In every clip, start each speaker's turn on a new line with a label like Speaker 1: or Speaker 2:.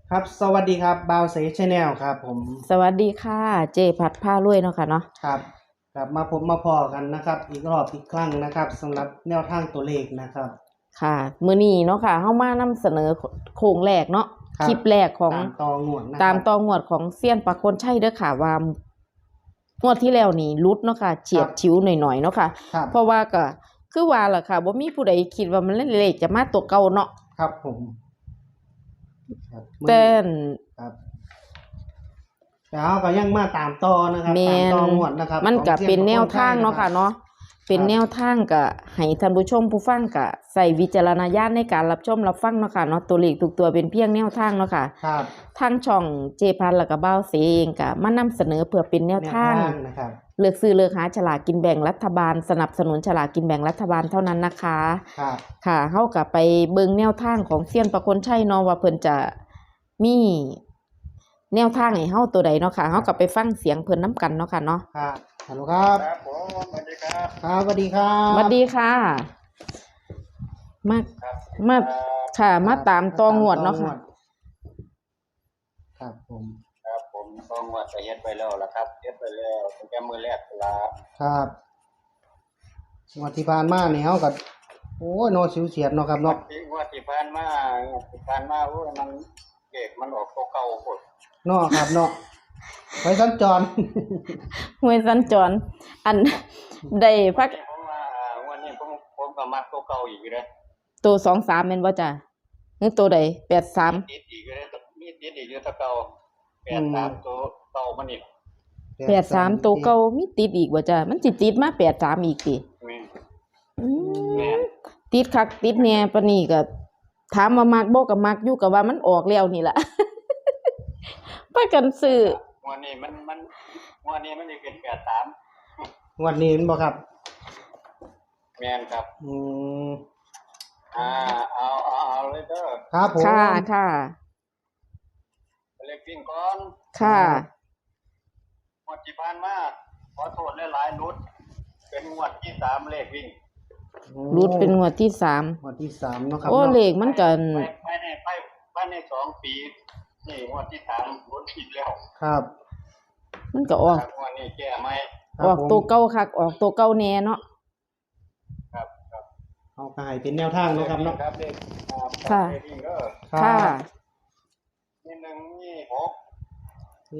Speaker 1: ครับสวัสดีครับบาวเซชแนลครับผม
Speaker 2: สวัสดีค่ะเจพัดผ้ารวยเนาะค่ะเนาะ
Speaker 1: ครับกลับมาพบมาพอกันนะครับอีกรอบอีกครั้งนะครับสำหรับแนวทางตัวเลขนะครับ
Speaker 2: ค่ะมื้อนี้เนาะค่ะเฮามานำเสนอโครงแรกเนาะคลิปแรกของ
Speaker 1: ตามตองวดนะค
Speaker 2: ตา
Speaker 1: รั
Speaker 2: ม
Speaker 1: บ
Speaker 2: ตองวดของเซียนปะคนใช่เด้อค่ะว่างวดที่แล้วนี่รุดเนาะค่ะเฉียดฉิวหน่อยๆเนาะค่ะ
Speaker 1: ครับ
Speaker 2: เพราะว่าก็คือว่าล่ะค่ะบ่มีผู้ใดคิดว่ามันเลขจะมาตัวเก่าเนาะ
Speaker 1: ครับผมครับ
Speaker 2: แต่
Speaker 1: ครับแล้วก็ยังมาตามต่อนะครับ
Speaker 2: แม่
Speaker 1: ตาม
Speaker 2: น
Speaker 1: ต่องวดนะครับ
Speaker 2: มันก็
Speaker 1: ของ
Speaker 2: เป็นแนวทาง
Speaker 1: ซีย
Speaker 2: เนาะ
Speaker 1: ปร
Speaker 2: ค่ะ
Speaker 1: ค
Speaker 2: เนาะเป็นแนวทางก็ให้ท่านผู้ชมผู้ฟังก็ใส่วิจารณญาณในการรับชมรับฟังเนาะค่ะเนาะตัวเลขทุกตัวเป็นเพียงแนวทางเนาะค่ะ
Speaker 1: ครับ
Speaker 2: ทางช่องเจพันแล้วก็บ้าวเสเองก็มานำเสนอเพื่อเป็นแนวทาง
Speaker 1: นะครับ
Speaker 2: เลือกซื้อเลือกหาฉลากกินแบ่งรัฐบาลสนับสนุนฉลากกินแบ่งรัฐบาลเท่านั้นนะคะ
Speaker 1: ครับ
Speaker 2: ค่ะเฮาก็ไปเบิ่งแนวทางของเซียนประคนชัยเนาะว่าเพิ่นจะมีแนวทางให้เฮาตัวใดเนาะค่ะเฮาก็ไปฟังเสียงเพิ่นนํกันเนาะค่ะเนาะ
Speaker 1: ครับฮัลโหลครับ
Speaker 3: ครับผมสวัสดีครับ
Speaker 1: ครับสวัสดีครับ
Speaker 2: สวัสดีค่ะ มา
Speaker 3: ครับ
Speaker 2: มาค่ะมาตามตองวดเนาะค่ะ
Speaker 1: ครับผม
Speaker 3: ครับผมต้องว่าจะเฮ็ดไปแล้วล่ะครับเฮ็ดไปแล้วตั้งแต่มื้อแรกล่ะ
Speaker 1: ครับงวดที่ผ่านมาเนี่ยเขาก็โอ้ยโนสิวเสียดเนาะครับเนาะ
Speaker 3: ที่ผ่านมาโอ้ยมันเก็บมันออกตัวเก่าพุ่น
Speaker 1: เนาะครับเนาะไปสัญจร
Speaker 2: ห้วยสัญจรอันได้พัก
Speaker 3: ผมว่าวันนี้ผมก็มักตัวเก่าอีกเด้อ
Speaker 2: ตัว23แม่นบ่จ้ะหรือตัวใด83
Speaker 3: ติดอีกเด้อมีติดอีกอยู่ตัวเก่า83ตัวเก่ามันอีก
Speaker 2: 83ตัวเก่ามีติดอีกบ่จ้ะมันสิติดมา83อีกติ
Speaker 3: แม่น
Speaker 2: อื
Speaker 3: แม่
Speaker 2: ม
Speaker 3: น
Speaker 2: ติดคักติดแหน่ปานนี้ก็ถามว่ามักบ่ก็มักอยู่ก็ว่ามันออกแล้วนี่ล่ะ พากันซื้อ
Speaker 3: วันนี้มันวันนี้มันสิเป็น83
Speaker 1: งวันนี้เห็นบ่ครับ
Speaker 3: แม่นครับ
Speaker 1: อืม
Speaker 3: เอาเลยเด้อ
Speaker 1: ครับผม
Speaker 2: ค่ะค่ะ
Speaker 3: เล็กวิ่งก่อน
Speaker 2: ค่ะ
Speaker 3: งวดที่ผ่านมาขอโทษหลายๆนุดเป็นงวดที่3เลขวิ่ง
Speaker 2: รุดเป็นงวดที่3
Speaker 1: งวดที่3เนาะครับ
Speaker 2: โอ้เลขมันก็
Speaker 3: ไปใน2 ปีนี่งวดที่3รุดอีกแล้ว
Speaker 1: ครับ
Speaker 2: มันก็ออก
Speaker 3: งวดนี้แก้ไหม
Speaker 1: ครับ
Speaker 2: ออก
Speaker 1: ผม
Speaker 2: ตัวเก่าคักออกตัวเก่าแน่เนาะ
Speaker 3: ครับ
Speaker 1: เอาก็ให้เป็นแนวทางเนาะครับเนาะ
Speaker 3: ครับเลข
Speaker 2: ค่ะ
Speaker 3: เลขวิ่งเด้อ
Speaker 2: ค่ะ
Speaker 3: นี่1นี่6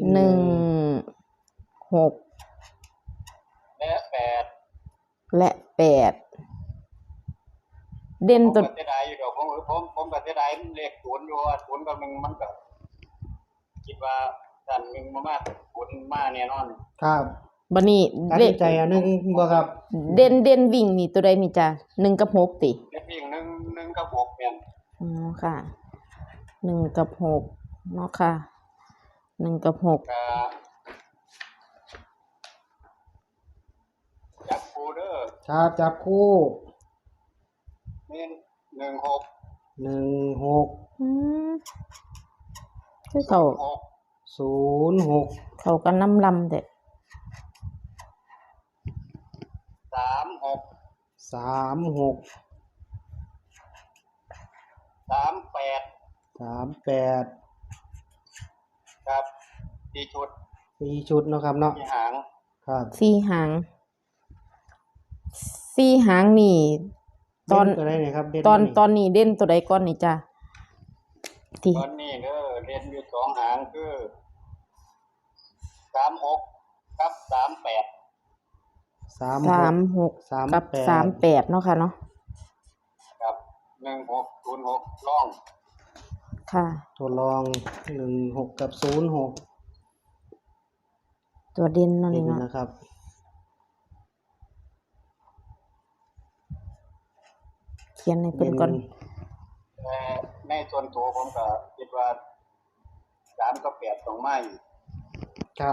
Speaker 2: 1 6
Speaker 3: และ8
Speaker 2: และ8เด่น
Speaker 3: ผม
Speaker 2: ตัว
Speaker 3: ก็เสียดายอยู่ดอกผมก็เสียดายเลข0อยู่ว่า0กับ1มันก็คิดว่าด้าน1มา0มาแน่นอน
Speaker 1: ครับ
Speaker 2: บัดนี้
Speaker 1: ตัด
Speaker 2: เล
Speaker 1: สิ
Speaker 2: ข
Speaker 1: นใจอันหนึงบ่ครับ
Speaker 2: เด่นวิ่งนี่ตัวใดนี่จ้ะ1กับ6ติ
Speaker 3: เลขวิ่ง1กับ6แม่น
Speaker 2: อ๋อค่ะ1กับ6เนาะค่ะ1กับ6
Speaker 3: ก็จับคู่เด้อ
Speaker 1: ครับจับคู่
Speaker 3: นี่16
Speaker 1: 16
Speaker 2: อืมคือเขา
Speaker 1: 06
Speaker 2: เขาก็น้ำลำเด้
Speaker 3: 36
Speaker 1: 36
Speaker 3: 38
Speaker 1: 38
Speaker 3: ครับที่ชุด
Speaker 1: 4ชุดเนาะครับเนาะ
Speaker 3: ที่หาง
Speaker 1: ครับ
Speaker 2: 4 หาง4หางนี่ ตอน
Speaker 1: เด่ตัวใดเนี่ยครับเด่น
Speaker 2: ตอนนี้เด่นตัวใดก่อนนี่จ้ะที่
Speaker 3: ตอนนี้เด้อเรียนอยู่2หางคือ36กับ38
Speaker 1: 36
Speaker 2: 36กับ38เนาะค่ะเนาะ
Speaker 3: กับ1606ล่อง
Speaker 2: ค่ะ
Speaker 1: ตัวรอง16กับ06
Speaker 2: ตัวเด่นเนาะ
Speaker 1: เด่
Speaker 2: นี่
Speaker 1: น
Speaker 2: เนาะ
Speaker 1: นะครับ
Speaker 2: เขียนให้เพิ่นก่อน
Speaker 3: แต่ในส่วนตัวผมก็คิดว่า3กับ8ต้องมาอีก
Speaker 1: ครับ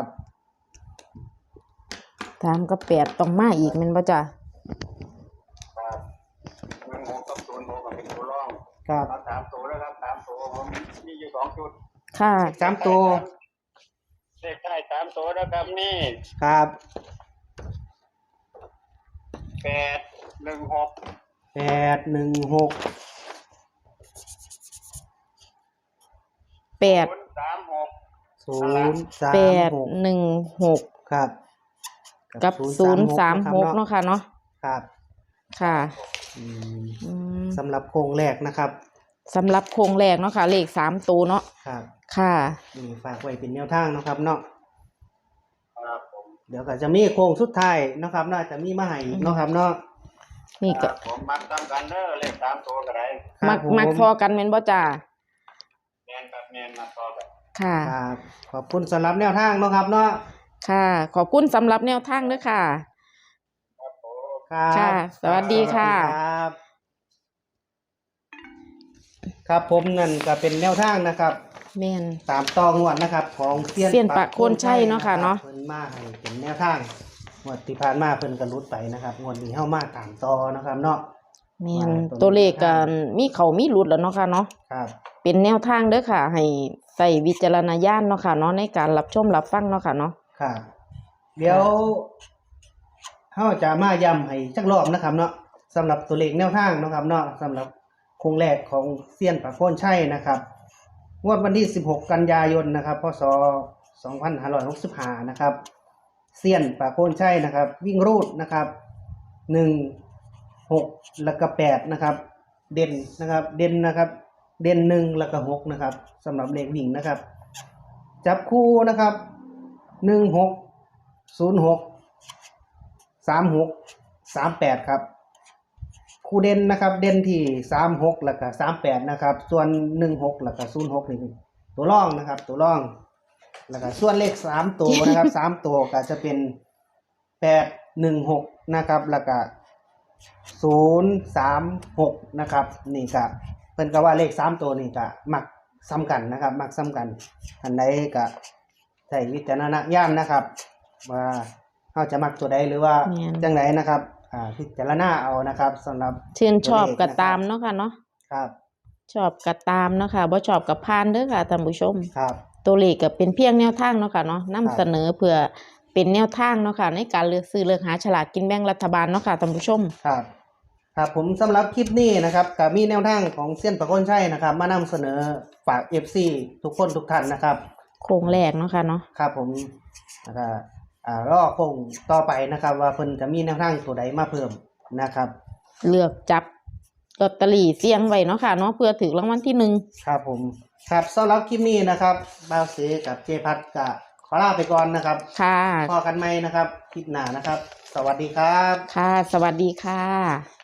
Speaker 2: 3กับ8ต้องมาอีกแม่นบ่จ้ะ
Speaker 3: ครับ16กับ06ก็เป็นตัวร่อง
Speaker 1: ครับ
Speaker 3: เอา3ตัวแล้วครับ3ตัวผมมีอยู่2ชุด
Speaker 2: ค่ะ
Speaker 1: 3ตัว
Speaker 3: เลขท้าย3ตัวนะครับนี่
Speaker 1: ครับ
Speaker 3: 816
Speaker 1: 816
Speaker 2: 816
Speaker 1: ครับ
Speaker 2: กับ036เนาะค่ะเนาะ
Speaker 1: ครับ
Speaker 2: ค่ะ
Speaker 1: อืม
Speaker 2: อืม
Speaker 1: สำหรับโครงแรกนะครับ
Speaker 2: สำหรับโครงแรกเนาะค่ะเลข3ตัวเนาะ
Speaker 1: ครับ
Speaker 2: ค่ะ
Speaker 1: นี่ฝากไว้เป็นแนวทางนะครับเนาะ
Speaker 3: ครับผม
Speaker 1: เดี๋ยวก็จะมีโครงสุดท้ายนะครับน่าจะมีมาให้อีกเนาะครับเนาะ
Speaker 2: นี่
Speaker 3: ค
Speaker 2: ก็
Speaker 3: รับผมมักตามกันเด้อเลข3ตัวก็ได้
Speaker 2: มัก
Speaker 1: ครับ
Speaker 2: มัก
Speaker 1: ผ
Speaker 2: พอกันแม่นบ่จ้า
Speaker 3: แม่นครับแม่นมาต่อกัน
Speaker 2: ค่ะ
Speaker 1: ครับขอบคุณสำหรับแนวทางเนาะครับเนาะ
Speaker 2: ค่ะ ขอบคุณสำหรับแนวทางเด้อค่ะ
Speaker 3: ครับผม
Speaker 1: ครับ
Speaker 2: ค่ะสวัสดีค่ะ
Speaker 1: สวัสดีครับ ครับผมนั่นก็เป็นแนวทางนะครับ
Speaker 2: แม่น
Speaker 1: ตามต่องวดนะครับ ของเซียน
Speaker 2: ปะโคนชัยเนาะค่ะเนาะ
Speaker 1: เพิ่นมาให้เป็นแนวทางงวดที่ผ่านมาเพิ่นก็รุดไปนะครับงวดนี้เฮามาตามต่อนะครับเนาะ
Speaker 2: แม่น
Speaker 1: ว่า
Speaker 2: ตัวเลขก็มีเข้ามีหลุดแล้วเนาะค่ะเนาะ
Speaker 1: ครับ
Speaker 2: เป็นแนวทางเด้อค่ะ ให้ใส่วิจารณญาณเนาะค่ะเนาะในการรับชมรับฟังเนาะค่ะเนาะ
Speaker 1: ครับเดี๋ยวเฮาจะมาย้ำให้จักรอบนะครับเนาะสำหรับตัวเลขแนวทางเนาะครับเนาะสำหรับโครงแรกของเซียนปะโคนชัยนะครับงวดวันที่16กันยายนนะครับพศ2565นะครับเซียนปะโคนชัยนะครับ วิ่งรูดนะครับ1 6แล้วก็8นะครับเด่นนะครับเด่นนะครับเด่น1แล้วก็6นะครับสำหรับเลขวิ่งนะครับจับคู่นะครับ16 06 36 38ครับคู่เด่นนะครับเด่นที่36แล้วก็38นะครับส่วน16แล้วก็06นี่ตัวร่องนะครับตัวร่องแล้วก็ส่วนเลข3ตัวนะครับ3ตัวก็จะเป็น816นะครับแล้วก็036นะครับนี่ก็เพิ่นก็ว่าเลข3ตัวนี่ก็มักซ้ำกันนะครับมักซ้ำกันอันใดก็ใช้วิจารณญาณนะครับว่าเฮาจะมักตัวใดหรือว่า
Speaker 2: แม่น
Speaker 1: จังไดนะครับพิจารณาเอานะครับสำหรับ
Speaker 2: ชื่นชอบก็ตามเนาะค่ะเนาะ
Speaker 1: ครับ
Speaker 2: ชอบก็ตามเนาะค่ะบ่ชอบก็ผ่านเด้อค่ะท่านผู้ชม
Speaker 1: ครับ
Speaker 2: ตัวเลขก็เป็นเพียงแนวทางเนาะค่ะเนาะนำเสนอเพื่อเป็นแนวทางเนาะค่ะในการเลือกซื้อเลือกหาฉลากกินแบ่งรัฐบาลเนาะค่ะท่านผู้ชม
Speaker 1: ครับครับผมสำหรับคลิปนี้นะครับก็มีแนวทางของเซียนปะโคนชัยนะครับ มานำเสนอฝาก FC ทุกคนทุกท่านนะครับ
Speaker 2: โครงแรกเนาะค่ะเนาะ
Speaker 1: ครับผมแล้วก็รอคงต่อไปนะครับ ว่าเพิ่นจะมีแนวทางตัวใดมาเพิ่มนะครับ
Speaker 2: เลือกจับลอตเตอรี่เสี่ยงไว้เนาะค่ะเนาะเพื่อถึงรางวัลที่
Speaker 1: ครับผมครับสำหรับคลิปนี้นะครับบ่าวเสกับเจพัดก็ขอลาไปก่อนนะครับ
Speaker 2: 1ค่ะ
Speaker 1: พอกันไหมนะครับคลิปหน้านะครับ สวัสดีครับ
Speaker 2: ค่ะ สวัสดีค่ะ